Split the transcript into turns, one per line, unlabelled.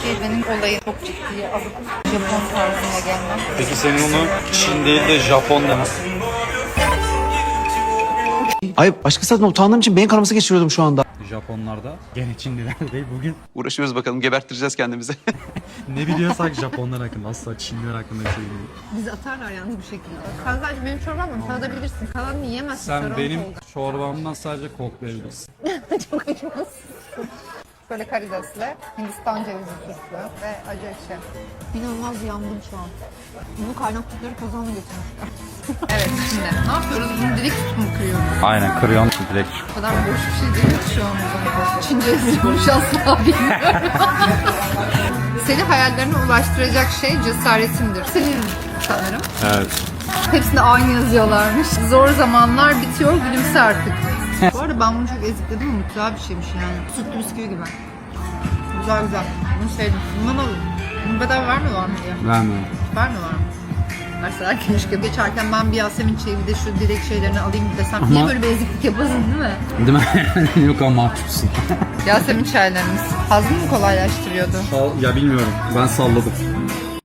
benim olayım çok ciddiye alıp Japon tarzına gelmem.
Peki senin onu Çin değil de Japon demek.
Ay başkası adına utandığım için beyin kanaması geçiriyordum şu anda.
Japonlarda gene Çinliler değil bugün.
Uğraşıyoruz bakalım, gebertireceğiz kendimizi.
Ne biliyorsak Japonlar hakkında, asla Çinliler hakkında bir şey bilmiyorum.
Bizi atarlar yalnız bir şekilde. Kazancı benim çorbamla tadabilirsin. Kalanını yiyemezsin.
Sen
Sorun
benim
oldu.
çorbamdan sadece koklayabilirsin.
Çok acımasız. Böyle karidesle, Hindistan cevizi turşu ve acı ekşi. İnanılmaz yandım şu an. Bunu kaynattıkları kazanla getirmişler. Evet, şimdi ne yapıyoruz? Bunu direkt tutup kırıyoruz.
Aynen, kırıyorsun direkt.
O kadar boş bir şey değil ki şu an. Çince yazıyormuş asla bilmiyorum. Seni hayallerine ulaştıracak şey cesaretindir. Senin sanırım.
Evet.
Hepsinde aynı yazıyorlarmış. Zor zamanlar bitiyor, gülümse artık. Bu arada ben bunu çok ezikledim ama güzel bir şeymiş yani. Sütlü bisküvi gibi. Güzel güzel. Bunu sevdim. Bundan alın. Bunu bedava vermiyorlar mı diye.
Vermiyorum.
Vermiyorlar mı? Verseler keşke. Geçerken ben bir Yasemin çayı bir de şu direkt şeylerini alayım desem. Niye böyle bir eziklik yapasın değil mi?
Değil mi? Yok ama mahcupsun.
Yasemin çaylarımız. Hazmı mı kolaylaştırıyordu?
Ya bilmiyorum. Ben salladım.